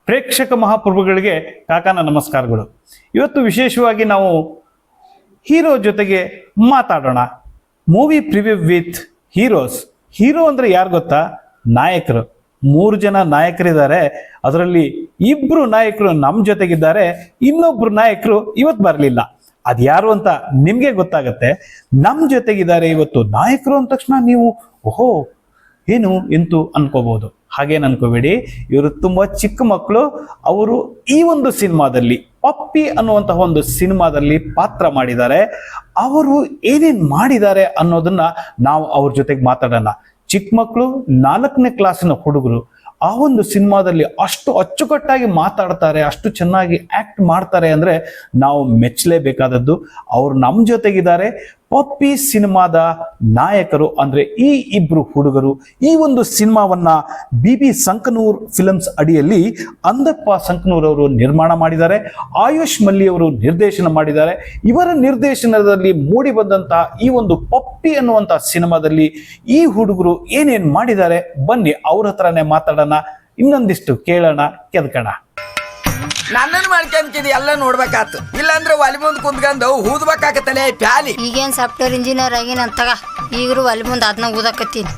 ಪ್ರೇಕ್ಷಕ ಮಹಾಪ್ರಭುಗಳಿಗೆ ಕಾಕಾನ ನಮಸ್ಕಾರಗಳು. ಇವತ್ತು ವಿಶೇಷವಾಗಿ ನಾವು ಹೀರೋ ಜೊತೆಗೆ ಮಾತಾಡೋಣ. Movie preview with heroes. Hero ಅಂದ್ರೆ ಯಾರು ಗೊತ್ತಾ? ನಾಯಕರು. 3 ಜನ ನಾಯಕರಿದ್ದಾರೆ. ಅದರಲ್ಲಿ 2 ನಾಯಕರು ನಮ್ಮ ಜೊತೆಗಿದ್ದಾರೆ, ಇನ್ನೊಬ್ರು ನಾಯಕರು ಇವತ್ತು ಬರಲಿಲ್ಲ. ಅದ್ಯಾರು ಅಂತ ನಿಮ್ಗೆ ಗೊತ್ತಾಗತ್ತೆ. ನಮ್ಮ ಜೊತೆಗಿದ್ದಾರೆ ಇವತ್ತು ನಾಯಕರು ಅಂದ ತಕ್ಷಣ ನೀವು ಓಹೋ ಏನು ಎಂತು ಅನ್ಕೋಬಹುದು. ಹಾಗೇನು ಅನ್ಕೋಬೇಡಿ, ಇವರು ತುಂಬಾ ಚಿಕ್ಕ ಮಕ್ಕಳು. ಅವರು ಈ ಒಂದು ಸಿನಿಮಾದಲ್ಲಿ ಪಪ್ಪಿ ಅನ್ನುವಂತಹ ಒಂದು ಸಿನಿಮಾದಲ್ಲಿ ಪಾತ್ರ ಮಾಡಿದ್ದಾರೆ. ಅವರು ಏನೇನ್ ಮಾಡಿದ್ದಾರೆ ಅನ್ನೋದನ್ನ ನಾವು ಅವ್ರ ಜೊತೆಗೆ ಮಾತಾಡೋಣ. ಚಿಕ್ಕ ಮಕ್ಕಳು, 4ನೇ ಕ್ಲಾಸಿನ ಹುಡುಗರು ಆ ಒಂದು ಸಿನಿಮಾದಲ್ಲಿ ಅಷ್ಟು ಅಚ್ಚುಕಟ್ಟಾಗಿ ಮಾತಾಡ್ತಾರೆ, ಅಷ್ಟು ಚೆನ್ನಾಗಿ ಆಕ್ಟ್ ಮಾಡ್ತಾರೆ ಅಂದ್ರೆ ನಾವು ಮೆಚ್ಚಲೇಬೇಕಾದದ್ದು. ಅವರು ನಮ್ಮ ಜೊತೆಗಿದ್ದಾರೆ. ಪಪ್ಪಿ ಸಿನಿಮಾದ ನಾಯಕರು ಅಂದ್ರೆ ಈ 2 ಹುಡುಗರು. ಈ ಒಂದು ಸಿನಿಮಾವನ್ನ BB ಸಂಕನೂರ್ ಫಿಲ್ಮ್ಸ್ ಅಡಿಯಲ್ಲಿ ಅಂದಪ್ಪ ಸಂಕನೂರ್ ಅವರು ನಿರ್ಮಾಣ ಮಾಡಿದ್ದಾರೆ. ಆಯುಷ್ ಮಲ್ಲಿ ಅವರು ನಿರ್ದೇಶನ ಮಾಡಿದ್ದಾರೆ. ಇವರ ನಿರ್ದೇಶನದಲ್ಲಿ ಮೂಡಿ ಬಂದಂತಹ ಈ ಒಂದು ಪಪ್ಪಿ ಅನ್ನುವಂತಹ ಸಿನಿಮಾದಲ್ಲಿ ಈ ಹುಡುಗರು ಏನೇನ್ ಮಾಡಿದ್ದಾರೆ ಬನ್ನಿ ಅವ್ರ ಹತ್ರನೇ ಮಾತಾಡೋಣ, ಇನ್ನೊಂದಿಷ್ಟು ಕೇಳೋಣ, ಕೆದ್ಕೋಣ. ನನ್ನನ್ನು ಮಾಡ್ಕೊಂತಿದ್ ಎಲ್ಲ ನೋಡ್ಬೇಕಾತು, ಇಲ್ಲಾಂದ್ರೆ ಒಲಿ ಮುಂದ್ ಕುಂತ್ಕೊಂಡು ಊದ್ಬೇಕಾಗತ್ತಲೆ ಪ್ಯಾಲಿ. ಈಗೇನ್ ಸಾಫ್ಟ್ವೇರ್ ಇಂಜಿನಿಯರ್ ಆಗಿನ ಅಂತಗ ಈಗರು ಒಲಿ ಮುಂದ್ ಅದನ್ನ ಊದಕತ್ತೀನಿ.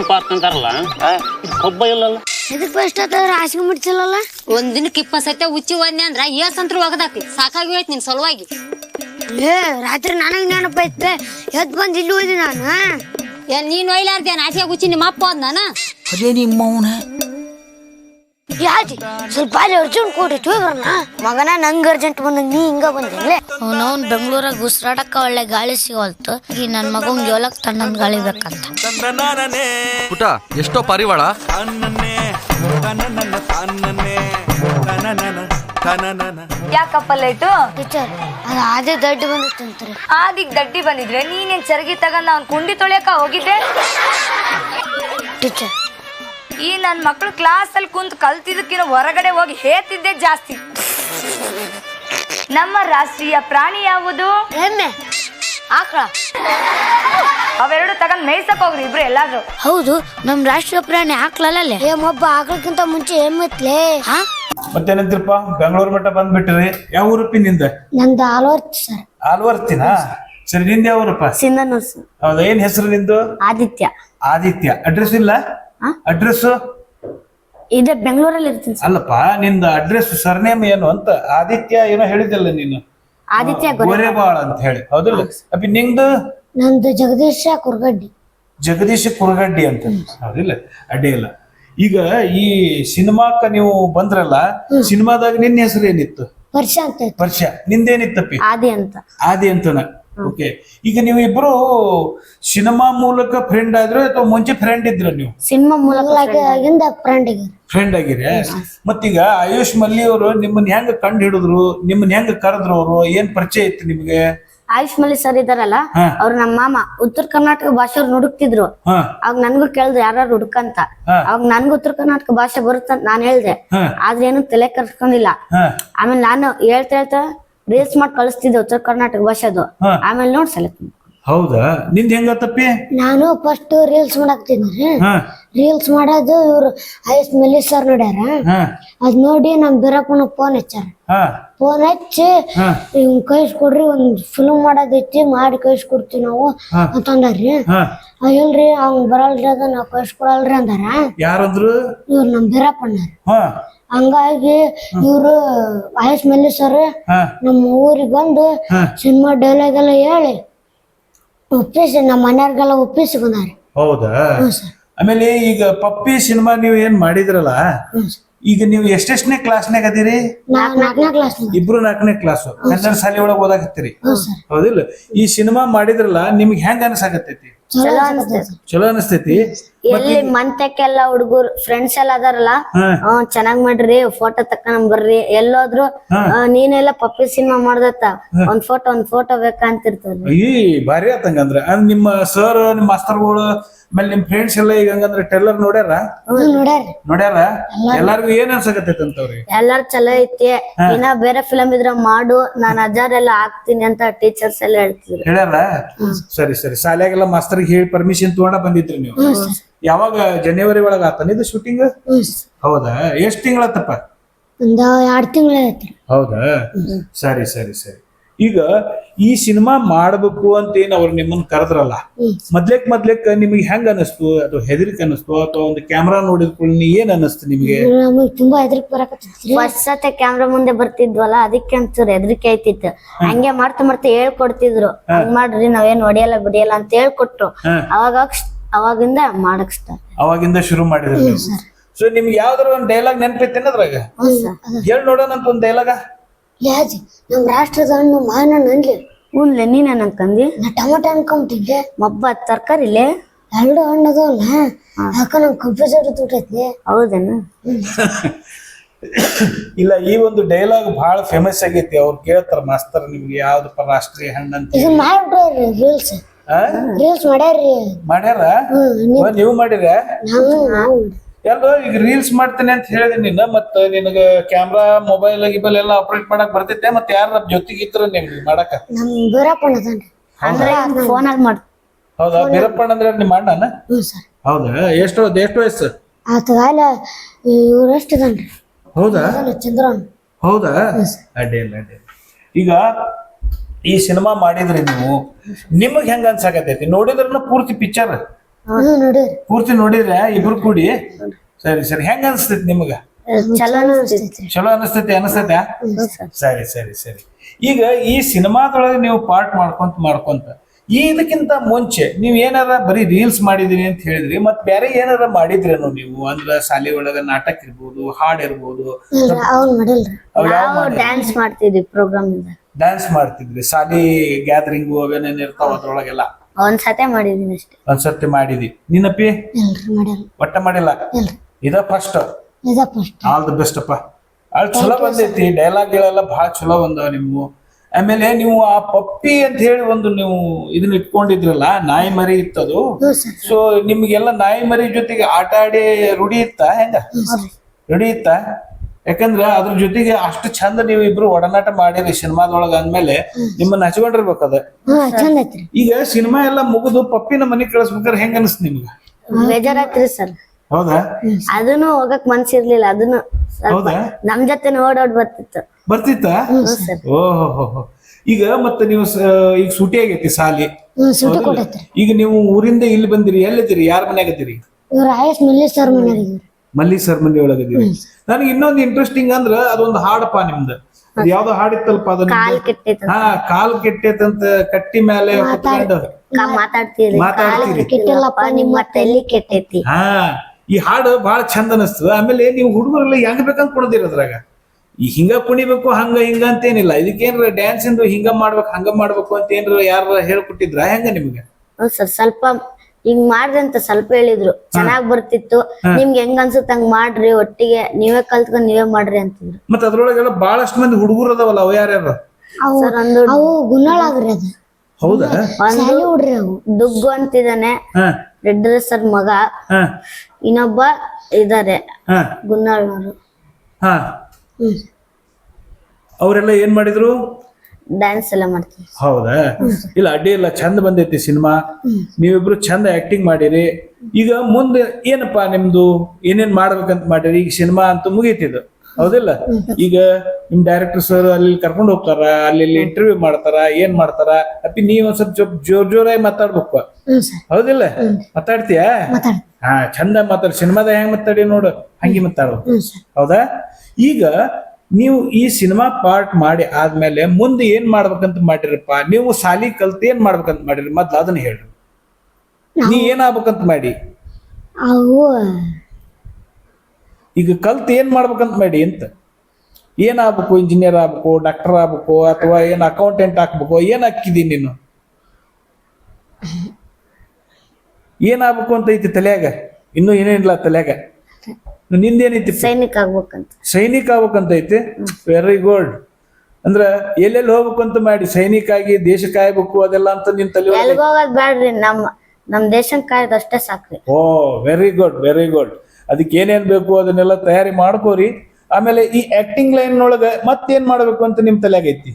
ರಾಶಿ ಮುಡ್ಸಲ್ಲ ಒಂದ್ ದಿನಕ್ಕೆ 20 ಸತಿ ಉಚ್ಚಿ ಒಂದೇ ಅಂದ್ರ ಏಸಂತ್ರ ಒಗದಾಕಿ ಸಾಕಾಗಿ ಹೋಯ್ತು ನಿನ್ ಸಲುವಾಗಿ. ರಾತ್ರಿ ನನಗ್ ನೆನಪ ಐತೆ, ಎದ್ ಬಂದ್ ಇಲ್ಲಿ ಹೋಯ್ದಿ ನಾನು. ಏನ್ ನೀನ್ ಒಯ್ಲಾರ್ದೆ ನಾಚಿಗೆ ಉಚ್ಚಿ ನಿಮ್ಮ ಅಪ್ಪ ಅದ್ ನಾನ ಅದೇ ನಿಮ್ಮ ಅವನ ಯಾಜಿ ಸ್ವಲ್ಪ ಅರ್ಜೆಂಟ್ ಕೊಟ್ಟಿತ್ತು ಬರೋಣ ಮಗನ. ನಂಗ್ ಅರ್ಜೆಂಟ್ ಬಂದ ನೀ ಹಿಂಗ ಬಂದಿಲ್ಲ. ಅವ್ನವ್ನ್ ಬೆಂಗಳೂರಾಗ ಉಸಿರಾಡಕ್ಕ ಒಳ್ಳೆ ಗಾಳಿ ಸಿಗೋಲ್ತು. ಈ ನನ್ ಮಗಂಗ್ ಜೋಲಕ್ ತಣ್ಣನ್ ಗಾಳಿ ಬೇಕಂತ. ಪುಟ ಎಷ್ಟೋ ಪಾರಿವಾಳ ಯಾಕಪ್ಪ ಲೈಟು ಟೀಚರ್ ಅದು ಆದೇ ದಡ್ಡಿ ಬಂದಿತ್ತಂತ್ರಿ. ಆದಿಗ್ ದಡ್ಡಿ ಬಂದಿದ್ರೆ ನೀನೇನ್ ಚರಗಿ ತಗೊಂಡ್ ಅವ್ನ್ ಕುಂಡಿ ತೊಳೆಯಕ ಹೋಗಿದ್ದೆ? ಟೀಚರ್ ಈ ನನ್ ಮಕ್ಳು ಕ್ಲಾಸ್ ಅಲ್ಲಿ ಕುಂತ್ ಕಲ್ತಿದ್ದಕ್ಕಿಂತ ಹೊರಗಡೆ ಹೋಗಿ ಹೇತಿದ್ದೆ ಜಾಸ್ತಿ. ನಮ್ಮ ರಾಷ್ಟ್ರೀಯ ಪ್ರಾಣಿ ಯಾವುದು? ಎಮ್ಮೆ, ಆಕಳ. ಅವೆರಡು ತಗೊಂಡ್ ಮೇಯ್ಸಕ್ ಹೋಗ್ರಿ ಇಬ್ರು ಎಲ್ಲಾದ್ರು. ಹೌದು, ನಮ್ ರಾಷ್ಟ್ರೀಯ ಪ್ರಾಣಿ ಆಕಳಲ್ಲೇ. ಏಮೊಬ್ಬ ಆಕಳಕ್ಕಿಂತ ಮುಂಚೆ ಎಮ್ಮಿತ್ಲೇ. ಮತ್ತೇನಂತಿರಪ್ಪ, ಬೆಂಗಳೂರು ಮಟ್ಟ ಬಂದ್ಬಿಟ್ಟಿರಿ. ಯಾವ ಊರಪ್ಪಿ ನಿಂದ? ನಂದು ಆಲ್ವರ್ತಿ ಸರ್. ಆಲ್ವರ್ತಿನಾ? ಸರಿ, ನಿಂದ ಯಾವ ಊರಪ್ಪ? ಸಿಂಧನೂರ್ ಸರ್. ಹೌದಾ, ಏನ್ ಹೆಸರು ನಿಂದು? ಆದಿತ್ಯ. ಆದಿತ್ಯ. ಅಡ್ರೆಸ್ ಇಲ್ಲ? ಅಡ್ರೆಸ್ ಇದೆ, ಬೆಂಗಳೂರಲ್ಲಿ ಇರ್ತೀನಿ ಸರ್. ಅಲ್ಲಪ್ಪ, ನಿಂದ ಅಡ್ರೆಸ್ ಸರ್ನೇಮ್ ಏನು ಅಂತ? ಆದಿತ್ಯ ಏನೋ ಹೇಳಿದಿಲ್ಲ ನೀನು, ಆದಿತ್ಯ ಗೋರೆಬಾಳ್ ಅಂತ ಹೇಳಿ, ಹೌದಿಲ್ಲ? ಅಪ್ಪಿ ನಿಂದು? ನಂದು ಜಗದೀಶ ಕುರ್ಗಡ್ಡಿ. ಜಗದೀಶ ಕುರಗಡ್ಡಿ ಅಂತ, ಹೌದಿಲ್ಲ? ಅಡ್ಡಿ ಇಲ್ಲ. ಈಗ ಈ ಸಿನಿಮಾಕ್ಕ ನೀವು ಬಂದ್ರಲ್ಲ, ಸಿನಿಮಾದಾಗ ನಿನ್ನ ಹೆಸರು ಏನಿತ್ತು? ವರ್ಷ ಅಂತ ಇತ್ತು. ವರ್ಷ. ನಿಂದೇನಿತ್ತಪ್ಪಿ? ಆದಿ ಅಂತ. ಆದಿ ಅಂತನ. ಓಕೆ. ಈಗ ನೀವು ಇಬ್ರು ಸಿನಿಮಾ ಮೂಲಕ ಫ್ರೆಂಡ್ ಆದ್ರೆ ಅಥವಾ ಮುಂಚೆ ಫ್ರೆಂಡ್ ಇದ್ರ? ನೀವು ಸಿನಿಮಾ ಮೂಲಕ ಫ್ರೆಂಡ್ ಆಗಿರಿ. ಮತ್ತೀಗ ಆಯುಷ್ ಮಲ್ಲಿ ಅವರು ನಿಮ್ಮನ್ನ ಹೆಂಗ ಕಂಡು ಹಿಡಿದ್ರು, ನಿಮ್ಮನ್ನ ಹೆಂಗ ಕರೆದ್ರು, ಅವರು ಏನ್ ಪರಿಚಯ ಇತ್ತು ನಿಮ್ಗೆ? ಆಯುಷ್ ಮಲ್ಲಿ ಸರ್ ಇದಾರಲ್ಲ, ಅವ್ರು ನಮ್ಮ ಮಾಮ ಉತ್ತರ ಕರ್ನಾಟಕ ಭಾಷೆಯವ್ರು ಹುಡುಕ್ತಿದ್ರು. ಅವಾಗ ನನ್ಗೂ ಕೇಳಿದ್ರು ಯಾರು ಹುಡುಕಂತ. ಅವಾಗ ನನ್ಗೂ ಉತ್ತರ ಕರ್ನಾಟಕ ಭಾಷೆ ಬರುತ್ತಂತ ನಾನ್ ಹೇಳ್ದೆ. ಆದ್ರೆ ಏನು ತಲೆ ಕರ್ಸ್ಕೊಂಡಿಲ್ಲ. ಆಮೇಲೆ ನಾನು ಹೇಳ್ತಾ ರೀಲ್ಸ್ ಮಾಡಿ ಕಳಿಸ್ತಿದ್ದೆ ಉತ್ತರ ಕರ್ನಾಟಕ ಭಾಷೆದು. ಆಮೇಲೆ ನೋಡ್ ಸೆಲೆಕ್ಟ್. ಹೌದಾ? ನಿಂದ ಹೆಂಗತ್ತಪ್ಪಿ? ನಾನು ಫಸ್ಟ್ ರೀಲ್ಸ್ ಮಾಡಾಕ್ತಿದ್ರಿ. ರೀಲ್ಸ್ ಮಾಡೋದು ಇವ್ರು ಆಯುಷ್ ಮಲ್ಲಿ ಸರ್ ನೋಡ್ಯಾರ. ಅದ್ ನೋಡಿ ನಮ್ ಬೀರಪ್ಪನ ಫೋನ್ ಹಚ್ಚಾರ. ಫೋನ್ ಹಚ್ಚಿ ಇವ್ ಕಳ್ಸಿಕೊಡ್ರಿ, ಒಂದ್ ಫಿಲ್ಮ್ ಮಾಡೋದೈತಿ, ಮಾಡಿ ಕಳ್ಸಿಕೊಡ್ತೀವಿ ನಾವು ಅಂತಂದಾರ್ರಿ. ಇಲ್ರಿ ಅವ್ನ್ ಬರಲ್ರಿ, ಅದ ನಾವ್ ಕಳ್ಸಿಕೊಡಲ್ರಿ ಅಂದಾರ. ಯಾರಂದ್ರು? ಇವ್ರು ನಮ್ ಬೀರಪ್ಪಣ್ಣಾರ. ಹಂಗಾಗಿ ಇವ್ರು ಆಯುಷ್ ಮಲ್ಲಿ ಸರ್ ನಮ್ಮ ಊರಿಗೆ ಬಂದು ಸಿನಿಮಾ ಡೈಲಾಗ್ ಎಲ್ಲ ಹೇಳಿ ಒಪ್ಪಿಸಿ ನಮ್ಮ ಮನೆಯವ್ರಿಗೆಲ್ಲ ಒಪ್ಪಿಸಿ ಬಂದಾರೆ. ಹೌದಾ? ಆಮೇಲೆ ಈಗ ಪಪ್ಪಿ ಸಿನಿಮಾ ನೀವು ಏನ್ ಮಾಡಿದ್ರಲ್ಲ, ಈಗ ನೀವು ಎಷ್ಟೆಷ್ಟನೇ ಕ್ಲಾಸ್ನಾಗ ಅದೀರಿ? 4ನೇ ಕ್ಲಾಸ್. ಇಬ್ರು 4ನೇ ಕ್ಲಾಸ್ ಕನ್ನಡ ಶಾಲೆ ಒಳಗೆ ಓದಾಕತ್ತೀರಿ, ಹೌದಿಲ್ಲ? ಈ ಸಿನಿಮಾ ಮಾಡಿದ್ರಲ್ಲ, ನಿಮ್ಗೆ ಹೆಂಗ ಅನ್ಸಾಕತ್ತೈತಿ? ಚಲೋ ಅನಿಸ್ತೈತಿ? ಎಲ್ಲಿ ಮಂತಕ್ಕೆಲ್ಲ ಹುಡುಗರು ಫ್ರೆಂಡ್ಸ್ ಎಲ್ಲ ಅದಾರಲ್ಲ, ಚೆನ್ನಾಗ್ ಮಾಡ್ರಿ, ಫೋಟೋ ತಕೊಂಡ್ ಬರ್ರಿ, ಎಲ್ಲೋದ್ರು ನೀನೆಲ್ಲ ಪಪ್ಪಿ ಸಿನಿಮಾ ಮಾಡ್ದತ್ತ, ಒಂದ್ ಫೋಟೋ ಬೇಕಂತಿರ್ತದ. ಈ ಭಾರಿ ಆತಂಗಂದ್ರ. ನಿಮ್ಮ ಸರ್, ನಿಮ್ ಮಾಸ್ತರ್ಗಳು, ಆಮೇಲೆ ನಿಮ್ ಫ್ರೆಂಡ್ಸ್ ಎಲ್ಲ ಈಗ ಹಂಗಂದ್ರೆ ಟೆಲ್ಲರ್ ನೋಡ್ಯಾರ? ನೋಡ್ಯಾರ. ಎಲ್ಲಾರ್ಗು ಏನ್ ಅನ್ಸಕತ್ತೈತಿ ಅಂತವ್ರಿ? ಎಲ್ಲಾರು ಚಲೋ ಐತಿ, ಇನ್ನ ಬೇರೆ ಫಿಲಮ್ ಇದ್ರ ಮಾಡು, ನಾನ್ ಅಜ್ಜಾರೆಲ್ಲ ಹಾಕ್ತೀನಿ ಅಂತ ಟೀಚರ್ಸ್ ಎಲ್ಲ ಹೇಳ್ತಿದ್ರು. ಹೇಳ್ಯಾರ? ಸರಿ ಸರಿ. ಶಾಲ್ಯಾಗೆಲ್ಲ ಮಾಸ್ತರ್ಗೆ ಹೇಳಿ ಪರ್ಮಿಷನ್ ತಗೊಂಡ ಬಂದಿದ್ರಿ ನೀವು? ಯಾವಾಗ? ಜನವರಿ ಒಳಗ ಆತನ ಇದು ಶೂಟಿಂಗ್? ಹೌದಾ? ಎಷ್ಟ್ ತಿಂಗಳತ್ತಪ್ಪ? ಒಂದ್ 2 ತಿಂಗಳ ಐತ್ರಿ. ಹೌದಾ ಸರಿ ಸರಿ ಸರಿ. ಈಗ ಈ ಸಿನಿಮಾ ಮಾಡ್ಬೇಕು ಅಂತ ಏನ್ ಅವ್ರು ನಿಮ್ಮನ್ನ ಕರೆದ್ರಲ್ಲ, ಮೊದ್ಲೇಕ್ ನಿಮಗೆ ಹೆಂಗ ಅನಿಸ್ತು? ಅದು ಹೆದರಿಕೆ ಅನಿಸ್ತು ಅಥವಾ ಒಂದು ಕ್ಯಾಮ್ರಾ ನೋಡಿದ ಕೂಡಲೇ ಏನ್ ಅನಿಸ್ತು ನಿಮಗೆ? ನಮಗ್ ತುಂಬಾ ಹೆದರಿಕೆ ಬರಾಕತ್ತಿತ್ರಿ. ಫಸ್ಟ್ ಸತೆ ಕ್ಯಾಮ್ರಾ ಮುಂದೆ ಬರ್ತಿದ್ವಲ್ಲ, ಅದಕ್ಕೆ ಒಂಚೂರು ಹೆದರಿಕೆ ಐತಿತ್ತು. ಹಂಗೆ ಮಾಡ್ತಾ ಹೇಳ್ಕೊಡ್ತಿದ್ರು, ಹಂಗ್ ಮಾಡ್ರಿ ನಾವೇನ್ ಹೊಡಿಯಲ್ಲ ಬಿಡಿಯಲ್ಲ ಅಂತ ಹೇಳ್ಕೊಟ್ರು. ಅವಾಗಿಂದ ಮಾಡಕ್ ಸ್ಟಾರ್ಟ್. ಅವಾಗಿಂದ ಶುರು ಮಾಡಿದ್ರಿ ನೀವು. ಸೊ ನಿಮ್ಗೆ ಯಾವ್ದಾರ ಒಂದು ಡೈಲಾಗ್ ನೆನಪೈತೇನ ಅದ್ರಾಗ? ಹೇಳ್ ನೋಡೋಣ ಅಂತ ಒಂದು ಡೈಲಾಗ. ಲಾಜಿ ನಮ್ ರಾಷ್ಟ್ರದ ಹಣ್ಣು ಮಾವಿನ ಹಣ್ಣು ಅನ್ಲಿ. ಹ್ಞೂನ್ಲೆ ನೀನ್ ಅನ್ಕಂದಿ? ನಾ ಟೊಮೊಟೊ ಅನ್ಕೊಂಬಿಟ್ಟಿದ್ದೆ. ಮಬ್ಬ ತರ್ಕಾರಿಲೆ 2 ಹಣ್ಣು ಅದಾವಲ್ಲ, ಯಾಕ ನಂಗೆ ಕನ್ಫ್ಯೂಸ್ ಬಿಟ್ಟೈತಿ. ಹೌದೇನು? ಇಲ್ಲ, ಈ ಒಂದು ಡೈಲಾಗ್ ಬಹಳ ಫೇಮಸ್ ಆಗೈತಿ. ಅವ್ರು ಕೇಳ್ತಾರ ಮಾಸ್ತರ್ ನಿಮ್ಗೆ ಯಾವ್ದಪ್ಪ ರಾಷ್ಟ್ರೀಯ ಹಣ್ಣು ಅಂತ. ಇದನ್ನ ಮಾಡ್ಬಿಡ್ರಿ ರೀಲ್ಸ್ ಮಾಡ್ಯಾರ? ನೀವು ಮಾಡಿರ? ನಾವು ಎಲ್ಲೋ ಈಗ ರೀಲ್ಸ್ ಮಾಡ್ತೇನೆ ಅಂತ ಹೇಳಿದೆ ನೀನು. ಮತ್ತ ನಿನಗ ಕ್ಯಾಮ್ರಾ ಮೊಬೈಲ್ ಗಿಬೈಲ್ ಎಲ್ಲ ಆಪರೇಟ್ ಮಾಡಕ್ ಬರ್ತೈತೆ? ಮತ್ತೆ ಯಾರ ಜೊತೆಗೆ ಇದ್ರ ನಿಮ್ಗೆ ಮಾಡಕ? ನಮ್ ಬೀರಪ್ಪಣ್ಣ ಅದಾನ್ರಿ. ಅಂದ್ರೆ ಫೋನಲ್ಲಿ ಮಾಡ್. ಹೌದಾ? ಬೀರಪ್ಪಣ್ಣ ಅಂದ್ರೆ ನಿಮ್ಮ ಅಣ್ಣನ? ಸರ್. ಹೌದಾ? ಎಷ್ಟು ವಯಸ್ಸು ಆತಗಾಲ ಇವ್ರಷ್ಟು ಅದಾನ್ರಿ. ಹೌದಾ? ಚಂದ್ರನ್. ಹೌದಾ? ಅಡ್ಡಿಲ್ಲ. ಈಗ ಈ ಸಿನಿಮಾ ಮಾಡಿದ್ರಿ ನೀವು, ನಿಮಗ್ ಹೆಂಗ ಅನ್ಸಾಕತೈತಿ? ನೋಡಿದ್ರನ್ನ ಪೂರ್ತಿ ಪಿಕ್ಚರ್ ನೋಡಿರಿ. ಪೂರ್ತಿ ನೋಡಿದ್ರೆ ಇಬ್ರು ಕೂಡಿ? ಸರಿ ಸರಿ. ಹೆಂಗ ಅನ್ಸ್ತೈತಿ ನಿಮಗ? ಚಲೋ ಅನಿಸ್ತೈತಿ. ಚಲೋ ಅನಿಸ್ತೈತೆ? ಸರಿ. ಈಗ ಈ ಸಿನಿಮಾದೊಳಗೆ ನೀವು ಪಾರ್ಟ್ ಮಾಡ್ಕೊಂತ ಇದಕ್ಕಿಂತ ಮುಂಚೆ ನೀವ್ ಏನಾರ ಬರೀ ರೀಲ್ಸ್ ಮಾಡಿದಿರಿ ಅಂತ ಹೇಳಿದ್ರಿ, ಮತ್ ಬೇರೆ ಏನಾರ ಮಾಡಿದ್ರೇನು ನೀವು? ಅಂದ್ರ ಶಾಲೆ ಒಳಗ ನಾಟಕ ಇರ್ಬೋದು, ಹಾಡ್ ಇರ್ಬೋದು, ಅವ್ನ್ ಮಾಡಿಲ್ರಿ. ಡ್ಯಾನ್ಸ್ ಮಾಡ್ತಿದ್ವಿ ಪ್ರೋಗ್ರಾಮ್ ಇಂದ. ಡ್ಯಾನ್ಸ್ ಮಾಡ್ತಿದ್ರಿ? ಶಾಲಿ ಗ್ಯಾದರಿಂಗ್ ಅವೇನೇನ್ ಇರ್ತಾವ ಅದ್ರೊಳಗೆಲ್ಲ ಒಂದ್ಸತೆ ಮಾಡಿದೀನಿ ಅಷ್ಟೇ. ಒಂದ್ಸರ್ತಿ ಮಾಡಿದಿ? ನಿನ್ನಪ್ಪಿ? ಇಲ್ರಿ ಮಾಡಿಲ್ಲ. ಒಟ್ಟ ಮಾಡಿಲ್ಲ? ಇಲ್ರಿ. ಇದ first. First. All the best ಅಪ್ಪ. ಅಲ್ಲಿ ಚಲೋ ಬಂದೈತಿ, ಡೈಲಾಗ್ಗಳೆಲ್ಲ ಬಹಳ ಚಲೋ ಬಂದವ ನಿಮ್ವು. ಆಮೇಲೆ ನೀವು ಆ ಪಪ್ಪಿ ಅಂತ ಹೇಳಿ ಒಂದು ನೀವು ಇದನ್ನ ಇಟ್ಕೊಂಡಿದ್ರಲ್ಲ, ನಾಯಿ ಮರಿ ಇತ್ತದು. ಸೊ ನಿಮ್ಗೆಲ್ಲ ನಾಯಿ ಮರಿ ಜೊತೆಗೆ ಆಟ ಆಡಿ ರೂಢಿ ಇತ್ತ? ಹೆಂಗ ರೂಢಿ ಇತ್ತ? ಯಾಕಂದ್ರ ಅದ್ರ ಜೊತೆಗೆ ಅಷ್ಟು ಚಂದ ನೀವು ಇಬ್ರು ಒಡನಾಟ ಮಾಡಿರಿ ಸಿನಿಮಾದೊಳಗ ಅಂದ್ಮೇಲೆ ನಿಮ್ಮನ್ನ ಹಚ್ಕೊಂಡಿರ್ಬೇಕದ. ಚಂದ ಐತ್ರಿ. ಈಗ ಸಿನಿಮಾ ಎಲ್ಲ ಮುಗಿದು ಪಪ್ಪಿನ ಮನೆಗ್ ಕಳಿಸ್ಬೇಕಾದ್ರೆ ಹೆಂಗ ಅನಿಸ್ತು ನಿಮ್ಗ? ಬೇಜಾರಾತ್ರಿ ಸರ್. ಹೌದಾ? ಅದನ್ನು ಹೋಗಕ್ ಮನ್ಸಿರ್ಲಿಲ್ಲ. ಅದನ್ನು ಹೌದಾ? ನಮ್ ಜೊತೆ ಓಡಾಡ್ ಬರ್ತಿತ್ತ? ಓಹೋ. ಈಗ ಮತ್ತೆ ನೀವು ಈಗ ಸೂಟಿ ಆಗೈತಿ ಸಾಲಿ. ಸುಟ್ಟಿ ಕೊಟ್ಟೈತ್ರಿ. ಈಗ ನೀವು ಊರಿಂದ ಇಲ್ಲಿ ಬಂದಿರಿ, ಎಲ್ಲಿದ್ದೀರಿ? ಯಾರ ಮನ್ಯಾಗದಿರಿ? ಇವ್ರ ಆಯಸ್ ಮಲ್ಲಿ ಸರ್ ಮನೆಯಾಗಿದ್ರಿ. ಮಲ್ಲಿ ಸರ್ ಮನೆ ಒಳಗದಿರಿ. ನನಗೆ ಇನ್ನೊಂದು ಇಂಟ್ರೆಸ್ಟಿಂಗ್ ಅಂದ್ರ ಅದೊಂದು ಹಾಡಪ್ಪ ನಿಮ್ದು. ಅದು ಯಾವ್ದೋ ಹಾಡಿತ್ತಲ್ಪ ಅದನ್ನ? ಕಾಲ್ ಕೆಟ್ಟೈತ. ಕಾಲ್ ಕೆಟ್ಟೈತಂತ ಕಟ್ಟಿ ಮೇಲೆ ಕುತ್ಕೊಂಡು ಮಾತಾಡ್ತೀರಿ. ಕೆಟ್ಟಿಲ್ಲಪ್ಪ ನಿಮ್ಮ ತಲೆ ಕೆಟ್ಟೈತಿ. ಈ ಹಾಡು ಬಹಳ ಚಂದ ಅನಿಸ್ತದ. ಆಮೇಲೆ ನೀವು ಹುಡುಗರೆಲ್ಲ ಹೆಂಗ್ ಬೇಕಂತ ಕುಣದಿರ ಅದ್ರಾಗ. ಈ ಹಿಂಗ ಕುಣಿಬೇಕು ಹಂಗ ಹಿಂಗ ಅಂತ ಏನಿಲ್ಲ. ಇದಕ್ಕೇನ್ರ ಡ್ಯಾನ್ಸ್ ಇಂದು ಹಿಂಗ ಮಾಡ್ಬೇಕು ಹಂಗ ಮಾಡ್ಬೇಕು ಅಂತ ಏನ್ರ ಯಾರ ಹೇಳ್ಕೊಟ್ಟಿದ್ರ ಹೆಂಗ ನಿಮ್ಗೆ? ಸರ್ ಸ್ವಲ್ಪ ಹಿಂಗ್ ಮಾಡ್ರಿ ಅಂತ ಸ್ವಲ್ಪ ಹೇಳಿದ್ರು. ಚೆನ್ನಾಗ್ ಬರ್ತಿತ್ತು. ನಿಮ್ಗೆ ಹೆಂಗ್ ಅನ್ಸುತ್ತ ಹಂಗ್ ಮಾಡ್ರಿ, ಒಟ್ಟಿಗೆ ನೀವೇ ಕಲ್ತ್ಕೊಂಡ್ ನೀವೇ ಮಾಡ್ರಿ ಅಂತಿದ್ರು. ಮತ್ತ ಅದ್ರೊಳಗೆಲ್ಲ ಬಹಳಷ್ಟು ಮಂದಿ ಹುಡುಗರು ಅದಾವಲ್ಲ, ಅವ ಯಾರ್ಯಾರು? ಅವು ಗುನ್ನಾಳಾಗ್ರಿ. ಅದು ಹೌದಾ? ಹುಡ್ರಿ. ಅವು ದುಗ್ಗು ಅಂತಿದ್ದಾನೆ, ರೆಡ್ ಸರ್ ಮಗ. ಇನ್ನೊಬ್ಬ ಇದಾರೆ ಗುನ್ನಾಳ್ನವರು. ಅವರೆಲ್ಲ ಏನ್ ಮಾಡಿದ್ರು? ಡ್ಯಾನ್ಸ್ ಎಲ್ಲ ಮಾಡ್ತೀವಿ. ಹೌದಾ? ಇಲ್ಲ ಅಡ್ಡಿ ಇಲ್ಲ, ಚಂದ ಬಂದೈತಿ ಸಿನಿಮಾ. ನೀವಿಬ್ರು ಚಂದ ಆಕ್ಟಿಂಗ್ ಮಾಡಿರಿ. ಈಗ ಮುಂದೆ ಏನಪ್ಪಾ ನಿಮ್ದು ಏನೇನ್ ಮಾಡ್ಬೇಕಂತ ಮಾಡಿರಿ? ಈಗ ಸಿನಿಮಾ ಅಂತೂ ಮುಗೀತಿದ್ದು ಹೌದಿಲ್ಲ? ಈಗ ನಿಮ್ ಡೈರೆಕ್ಟರ್ ಸರ್ ಅಲ್ಲಿ ಕರ್ಕೊಂಡು ಹೋಗ್ತಾರ, ಅಲ್ಲಿ ಇಂಟರ್ವ್ಯೂ ಮಾಡ್ತಾರ, ಏನ್ ಮಾಡ್ತಾರ? ಅಪ್ಪಿ ನೀವ್ ಒಂದ್ ಸ್ವಲ್ಪ ಜೋರಾಗಿ ಮಾತಾಡ್ಬೇಕು ಹೌದಿಲ್ಲ? ಮಾತಾಡ್ತೀಯ? ಚಂದ ಮಾತಾಡ. ಸಿನಿಮಾದ ಹೆಂಗ್ ಮಾತಾಡಿ ನೋಡು, ಹಂಗೆ ಮಾತಾಡ್ಬೇಕು. ಹೌದಾ? ಈಗ ನೀವು ಈ ಸಿನಿಮಾ ಪಾರ್ಟ್ ಮಾಡಿ ಆದ್ಮೇಲೆ ಮುಂದೆ ಏನ್ ಮಾಡ್ಬೇಕಂತ ಮಾಡಿರಪ್ಪ? ನೀವು ಸಾಲಿ ಕಲ್ತ್ ಏನ್ ಮಾಡ್ಬೇಕಂತ ಮಾಡಿರಿ? ಮೊದ್ಲು ಅದನ್ನ ಹೇಳ್ರಿ. ನೀ ಏನಾಗ್ಬೇಕಂತ ಮಾಡಿ? ಈಗ ಕಲ್ತ್ ಏನ್ ಮಾಡ್ಬೇಕಂತ ಮಾಡಿ ಅಂತ? ಏನಾಗ್ಬೇಕು? ಇಂಜಿನಿಯರ್ ಆಗ್ಬೇಕು, ಡಾಕ್ಟರ್ ಆಗ್ಬೇಕು, ಅಥವಾ ಏನ್ ಅಕೌಂಟೆಂಟ್ ಹಾಕ್ಬೇಕು? ಏನ್ ಹಾಕಿದಿ ನೀನು? ಏನಾಗ್ಬೇಕು ಅಂತ ಐತಿ ತಲ್ಯಾಗ? ಇನ್ನೂ ಏನೇನಿಲ್ಲ ತಲ್ಯಾಗ. ನಿಂದೇನೈತಿ? ಸೈನಿಕ ಆಗ್ಬೇಕಂತ. ಸೈನಿಕ ಆಗ್ಬೇಕಂತ ಐತಿ. Very good. ಅಂದ್ರ ಎಲ್ಲೆಲ್ಲಿ ಹೋಗ್ಬೇಕು ಅಂತ ಮಾಡಿ? ಸೈನಿಕ ಆಗಿ ದೇಶ ಕಾಯ್ಬೇಕು ಅದೆಲ್ಲ ಅಂತ ನಿನ್ ತಲೆ? ಎಲ್ಗ ಹೋಗೋದ್ ಬ್ಯಾಡ್ರಿ, ನಮ್ ದೇಶನ್ ಕಾಯ್ದ ಅಷ್ಟೇ ಸಾಕ್ರಿ. Oh very good. ಅದಕ್ಕೆ ಏನೇನ್ ಬೇಕು ಅದನ್ನೆಲ್ಲ ತಯಾರಿ ಮಾಡ್ಕೋರಿ. ಆಮೇಲೆ ಈ ಆಕ್ಟಿಂಗ್ ಲೈನ್ ಒಳಗ ಮತ್ತೇನ್ ಮಾಡ್ಬೇಕು ಅಂತ ನಿಮ್ ತಲೆಯಾಗ ಐತಿ?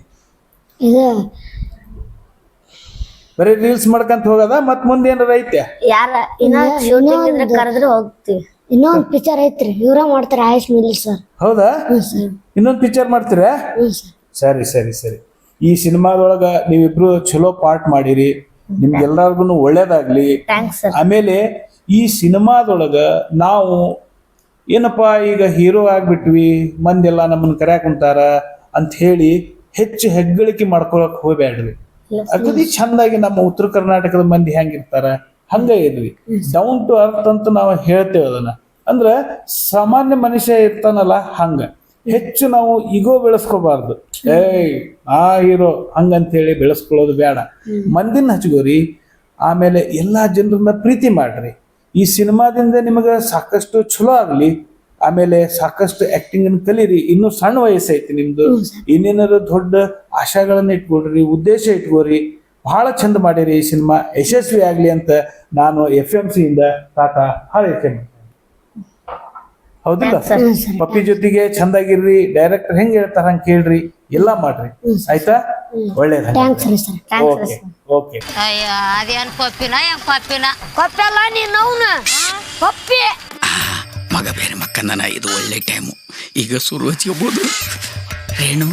ಬರೀ ರೀಲ್ಸ್ ಮಾಡ್ಕಂತ ಹೋಗದ? ಮತ್ ಮುಂದೆ ಏನಾರ ಐತೆ? ಯಾರ ಇನ್ನ ಶೂಟಿಂಗ್ ಇದ್ರೆ ಕರೆದ್ರೆ ಹೋಗ್ತಿವಿ. ಇನ್ನೊಂದ್ ಪಿಕ್ಚರ್ ಐತ್ರಿ ಇವ್ರ ಮಾಡ್ತಾರೆ ಆಯುಷ್ ಮಿಲಿ ಸರ್. ಹೌದಾ? ಸರ್. ಇನ್ನೊಂದು ಪಿಕ್ಚರ್ ಮಾಡ್ತೀರಾ? ಸರ್. ಸರಿ ಸರಿ ಸರಿ. ಈ ಸಿನಿಮಾದೊಳಗ ನೀವಿಬ್ರು ಚಲೋ ಪಾರ್ಟ್ ಮಾಡಿರಿ, ನಿಮ್ಗೆಲ್ಲರಿಗೂ ಒಳ್ಳೇದಾಗ್ಲಿ. Thanks sir. ಆಮೇಲೆ ಈ ಸಿನಿಮಾದೊಳಗ ನಾವು ಏನಪ್ಪಾ ಈಗ ಹೀರೋ ಆಗ್ಬಿಟ್ವಿ, ಮಂದೆಲ್ಲ ನಮ್ಮನ್ನ ಕರ್ಯಾಕ್ ಕುಂತಾರ ಅಂತ ಹೇಳಿ ಹೆಚ್ಚು ಹೆಗ್ಗಳಿಕೆ ಮಾಡ್ಕೊಳಕ್ ಹೋಗ್ಬೇಡ್ರಿ. ಅಗದಿ ಚಂದಾಗಿ ನಮ್ಮ ಉತ್ತರ ಕರ್ನಾಟಕದ ಮಂದಿ ಹೆಂಗಿರ್ತಾರ ಹಂಗ ಇರ್ರಿ. ಡೌನ್ ಟು ಅರ್ತ್ ಅಂತ ನಾವು ಹೇಳ್ತೇವೆ ಅದನ್ನ. ಅಂದ್ರ ಸಾಮಾನ್ಯ ಮನುಷ್ಯ ಇರ್ತಾನಲ್ಲ ಹಂಗ. ಹೆಚ್ಚು ನಾವು ಈಗೋ ಬೆಳೆಸ್ಕೋಬಾರ್ದು. ಆ ಹೀರೋ ಹಂಗಂತೇಳಿ ಬೆಳೆಸ್ಕೊಳ್ಳೋದು ಬೇಡ. ಮಂದಿನ ಹಚ್ಕೋರಿ. ಆಮೇಲೆ ಎಲ್ಲಾ ಜನರನ್ನ ಪ್ರೀತಿ ಮಾಡ್ರಿ. ಈ ಸಿನಿಮಾದಿಂದ ನಿಮಗೆ ಸಾಕಷ್ಟು ಚಲೋ ಆಗ್ಲಿ. ಆಮೇಲೆ ಸಾಕಷ್ಟು ಆಕ್ಟಿಂಗ್ ಅನ್ನು ಕಲೀರಿ. ಇನ್ನೂ ಸಣ್ಣ ವಯಸ್ಸೈತಿ ನಿಮ್ದು. ಇನ್ನೇನಾದ್ರು ದೊಡ್ಡ ಆಶಾಗಳನ್ನ ಇಟ್ಕೊಡ್ರಿ, ಉದ್ದೇಶ ಇಟ್ಕೋರಿ. ಬಹಳ ಚಂದ ಮಾಡಿರಿ. ಈ ಸಿನಿಮಾ ಯಶಸ್ವಿ ಆಗ್ಲಿ ಅಂತ ನಾನು FMC ಇಂದ ತಾತ ಹಾರೈಕೆ. ಹೌದಿಲ್ಲ? ಪಪ್ಪಿ ಜೊತೆಗೆ ಚಂದಾಗಿರ್ರಿ. ಡೈರೆಕ್ಟರ್ ಹೆಂಗ್ ಹೇಳ್ತಾರ ಹಂಗ ಕೇಳ್ರಿ, ಎಲ್ಲಾ ಮಾಡ್ರಿ. ಆಯ್ತಾ? ಒಳ್ಳೇದ. ಥ್ಯಾಂಕ್ಸ್ ರೀ ಸರ್. Okay okay. ಅಯ್ಯ ಅದೇನ್ ಪಪ್ಪಿನ ಹೆಂಗ್ ಪಪ್ಪಿನ ಕೊಪ್ಪಲ್ಲ ನೀನ್ ಅವನ ಪಪ್ಪಿ ಮಗ ಬೇರೆ ಮಕ್ಕಂದನ. ಇದು ಒಳ್ಳೆ ಟೈಮು. ಈಗ ಶುರು ಹಚ್ಕೋಬಹುದು. ರೇಣು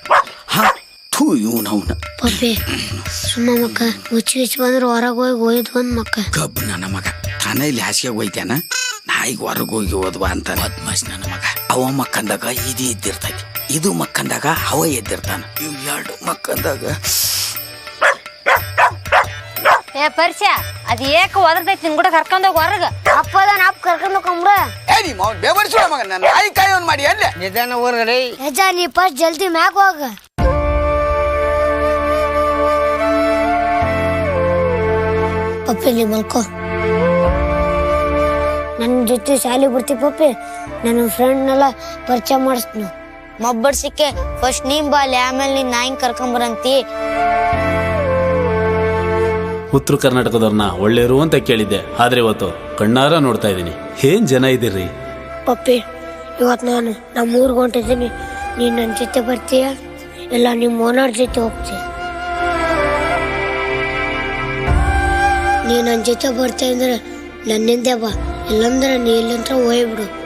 ಇವನವನ ಪಪ್ಪಿ ಸುಮ್ಮ ಮಕ್ಕ ಹುಚ್ಚಿ ಬಂದ್ರೆ ಹೊರಗೆ ಹೋಗಿ ಒಯ್ದು ಬಂದ್ ಮಕ್ಕ. ಕಬ್ಬು ನನ್ನ ಮಗ ತಾನೇ ಇಲ್ಲಿ ಹಾಸಿಗೆ ಹೋಯ್ತಾನ. ನಾ ಈಗ ಹೊರಗೆ ಹೋಗಿ ಓದ್ವಾ ಅಂತ ಬದ್ಮಾಶ್ ನನ್ನ ಮಗ. ಅವ ಮಕ್ಕಂದಾಗ ಇದು ಎದ್ದಿರ್ತೈತಿ, ಇದು ಮಕ್ಕಂದಾಗ ಅವ ಎದ್ದಿರ್ತಾನ. ಇವ್ ಎರಡು ಮಕ್ಕಂದಾಗ ಏ ಪರಿಚಯ ಅದ್ ಏಕ ಒದರ್ತೈತಿ ನಿನ್ ಕೂಡ ಕರ್ಕೊಂಡೋಗಿ ಹೊರಗ. ಅಪ್ಪದ ನಾಪ್ ಕರ್ಕೊಂಡು ಹೋಗಂಬ್ರ. ಬೇವರ್ಸುವ ಮಗ ನನ್ನ ನಾಯಿ ಕಾಯೋನ್ ಮಾಡಿ ಅಲ್ಲೇ ನಿಧಾನ ಊರ್ಗಡೆ. ಯಜ ನೀ ಫಸ್ಟ್ ಜಲ್ದಿ ಮ್ಯಾಗ ಹೋಗ. ಪಪ್ಪಿ ನೀ ಮಲ್ಕೋ. ನನ್ನ ಜೊತೆ ಶಾಲೆ ಬರ್ತಿ ಪಪ್ಪಿ. ನನ್ನ ಫ್ರೆಂಡ್ನೆಲ್ಲ ಪರಿಚಯ ಮಾಡಿಸ್ತೀನಿ. ಮಬ್ಬಡ್ಸಿಕ್ಕೆ ಫಸ್ಟ್ ನೀನ್ ಬಾಲಿ, ಆಮೇಲೆ ನೀನ್ ನಾಯಿನ್ ಕರ್ಕೊಂಬರಂತಿ. ಉತ್ತರ ಕರ್ನಾಟಕದವ್ರನ್ನ ಒಳ್ಳೆಯರು ಅಂತ ಕೇಳಿದ್ದೆ, ಆದ್ರೆ ಇವತ್ತು ಕಣ್ಣಾರ ನೋಡ್ತಾ ಇದ್ದೀನಿ. ಏನ್ ಜನ ಇದ್ದೀರಿ. ಪಪ್ಪಿ ಇವತ್ತು ನಾನು ನಮ್ಮ ಊರಿಗೆ ಹೊಂಟಿದ್ದೀನಿ. ನೀನು ನನ್ನ ಜೊತೆ ಬರ್ತೀಯ ಇಲ್ಲ ನಿಮ್ಮ ಓನರ್ ಜೊತೆ ಹೋಗ್ತೀಯ? ನೀನು ನನ್ನ ಜೊತೆ ಬರ್ತೀಯ ಅಂದ್ರೆ ನನ್ನಿಂದೆ ಬಾ, ಇಲ್ಲಂದ್ರೆ ನೀ ಇಲ್ಲಂತ್ರ ಹೋಗ್ಬಿಡು.